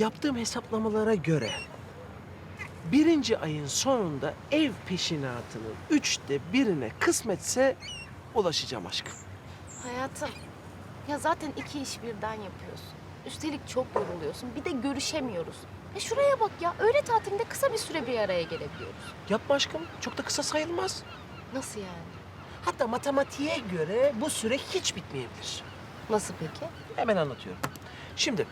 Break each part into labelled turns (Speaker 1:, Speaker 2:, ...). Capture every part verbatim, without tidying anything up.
Speaker 1: Yaptığım hesaplamalara göre birinci ayın sonunda ev peşinatının üçte birine kısmetse ulaşacağım aşkım.
Speaker 2: Hayatım, ya zaten iki iş birden yapıyorsun. Üstelik çok yoruluyorsun. Bir de görüşemiyoruz. E şuraya bak ya, öğle tatilinde kısa bir süre bir araya gelebiliyoruz.
Speaker 1: Yapma aşkım, çok da kısa sayılmaz.
Speaker 2: Nasıl yani?
Speaker 1: Hatta matematiğe göre bu süre hiç bitmeyebilir.
Speaker 2: Nasıl peki?
Speaker 1: Hemen anlatıyorum. Şimdi,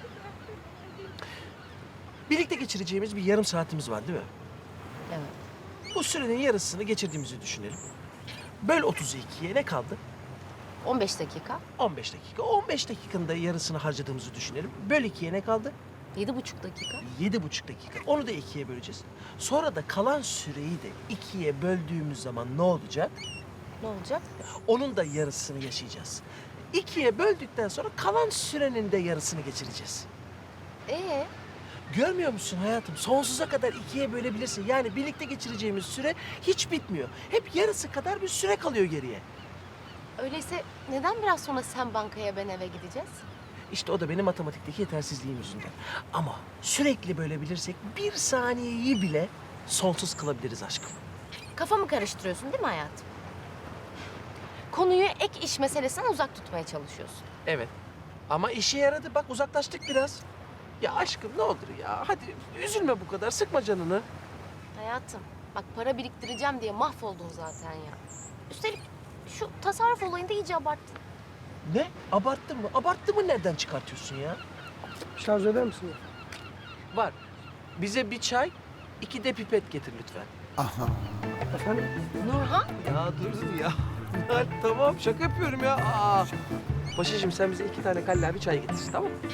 Speaker 1: birlikte geçireceğimiz bir yarım saatimiz var değil mi?
Speaker 2: Evet.
Speaker 1: Bu sürenin yarısını geçirdiğimizi düşünelim. Böl otuzu ikiye ne kaldı?
Speaker 2: on beş dakika,
Speaker 1: on beş dakika. on beş dakikanın da yarısını harcadığımızı düşünelim. Böl ikiye ne kaldı?
Speaker 2: yedi buçuk dakika.
Speaker 1: Yedi buçuk dakika. Onu da ikiye böleceğiz. Sonra da kalan süreyi de ikiye böldüğümüz zaman ne olacak?
Speaker 2: Ne olacak?
Speaker 1: Onun da yarısını yaşayacağız. İkiye böldükten sonra kalan sürenin de yarısını geçireceğiz.
Speaker 2: Ee,
Speaker 1: Görmüyor musun hayatım? Sonsuza kadar ikiye bölebilirsin. Yani birlikte geçireceğimiz süre hiç bitmiyor. Hep yarısı kadar bir süre kalıyor geriye.
Speaker 2: öyleyse neden biraz sonra sen bankaya ben eve gideceğiz?
Speaker 1: İşte o da benim matematikteki yetersizliğim yüzünden. Ama sürekli bölebilirsek bir saniyeyi bile sonsuz kılabiliriz aşkım.
Speaker 2: Kafamı karıştırıyorsun değil mi hayatım? Konuyu ek iş meselesinden uzak tutmaya çalışıyorsun.
Speaker 1: Evet. Ama işe yaradı. Bak uzaklaştık biraz. Ya aşkım ne olur ya. Hadi üzülme bu kadar. Sıkma canını.
Speaker 2: Hayatım, bak para biriktireceğim diye mahvoldun zaten ya. Üstelik şu tasarruf olayında iyice abarttın.
Speaker 1: Ne? Abarttın mı? Abarttı mı nereden çıkartıyorsun ya?
Speaker 3: Şarj eder misin?
Speaker 1: Var. Bize bir çay, iki de pipet getir lütfen.
Speaker 3: Efendim?
Speaker 2: Nurhan?
Speaker 1: Ya dur ya. Ya tamam şaka yapıyorum ya. Aa. Paşacığım sen bize iki tane kallavi çay getir tamam mı?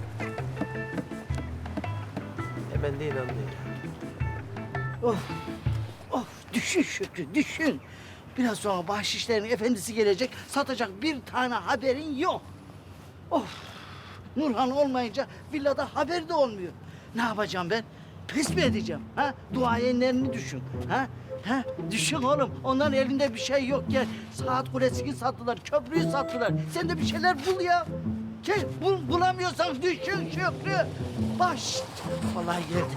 Speaker 1: Hemen de inandın ya.
Speaker 4: Of, of düşün Şükrü, düşün. Biraz sonra bahşişlerin efendisi gelecek, satacak bir tane haberin yok. Of, Nurhan olmayınca villada haber de olmuyor. Ne yapacağım ben? Pes mi edeceğim? Ha? Duayenlerini düşün. Ha? Ha? Düşün oğlum. Onların elinde bir şey yok. Gel, saat kulesini sattılar, köprüyü sattılar. Sen de bir şeyler bul ya. Gel, bul, bulamıyorsan düşün Şükrü. Baş. Vallahi geldi.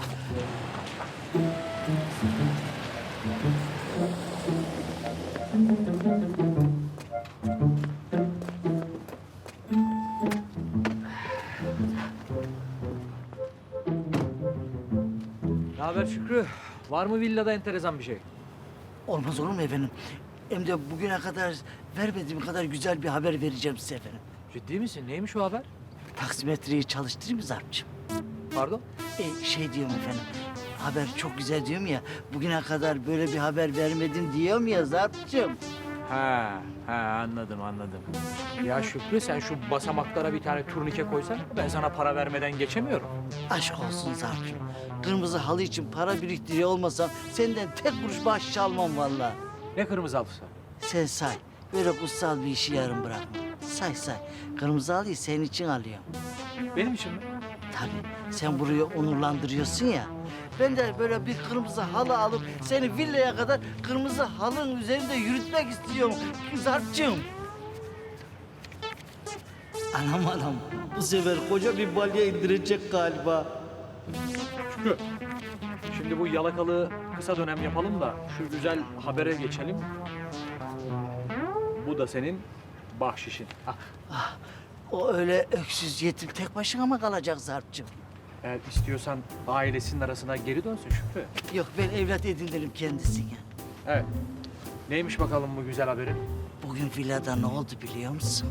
Speaker 5: Ne haber Şükrü? Var mı villada enteresan bir şey?
Speaker 4: Olmaz olur mu efendim? Hem de bugüne kadar vermediğim kadar güzel bir haber vereceğim size efendim.
Speaker 5: Ciddi misin? Neymiş o haber?
Speaker 4: Taksimetreyi çalıştırayım mı Zarp'cığım?
Speaker 5: Pardon?
Speaker 4: E, şey diyorum efendim, haber çok güzel diyorum ya, bugüne kadar böyle bir haber vermedim diyorum ya Zarp'cığım.
Speaker 5: Ha, ha anladım anladım. Ya Şükrü sen şu basamaklara bir tane turnike koysan ben sana para vermeden geçemiyorum.
Speaker 4: Aşk olsun Zarp'cığım. Kırmızı halı için para biriktiriyor olmasam senden tek kuruş bahşiş almam vallahi.
Speaker 5: Ne kırmızı halısı?
Speaker 4: Sen say, böyle kutsal bir işi yarım bırakma. Say say, kırmızı halıyı senin için alıyorum.
Speaker 5: Benim için mi?
Speaker 4: Tabii, sen burayı onurlandırıyorsun ya. Ben de böyle bir kırmızı halı alıp seni villaya kadar kırmızı halının üzerinde yürütmek istiyorum Zarp'cığım. Anam anam, bu sefer koca bir balya indirecek galiba.
Speaker 5: Şükrü. Şimdi bu yalakalığı kısa dönem yapalım da şu güzel habere geçelim. Bu da senin bahşişin. Ah,
Speaker 4: O öyle öksüz yetim tek başına mı kalacak Zarp'cığım?
Speaker 5: eğer istiyorsan ailesinin arasına geri dönsün Şükrü.
Speaker 4: Yok, ben evlat edinirim kendisine.
Speaker 5: Evet. Neymiş bakalım bu güzel haberin?
Speaker 4: Bugün villada ne oldu biliyor musun?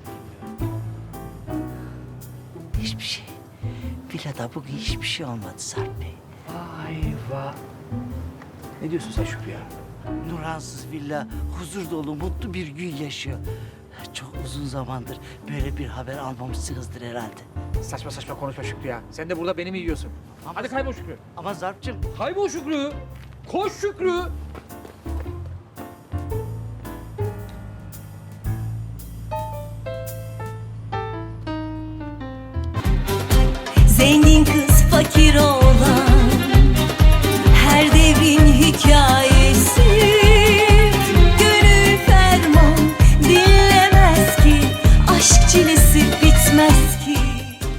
Speaker 4: Hiçbir şey. Villada bugün hiçbir şey olmadı Sarp Bey.
Speaker 5: Ayva. Ne diyorsun sen Şükrü ya?
Speaker 4: Nurhansız villa huzur dolu mutlu bir gün yaşıyor. Çok uzun zamandır böyle bir haber almamışsınızdır herhalde.
Speaker 5: Saçma saçma konuşma Şükrü ya. Sen de burada beni mi yiyorsun? Hadi kaybol Şükrü.
Speaker 4: Ama Zarp'cığım
Speaker 5: Kaybol Şükrü. Koş Şükrü.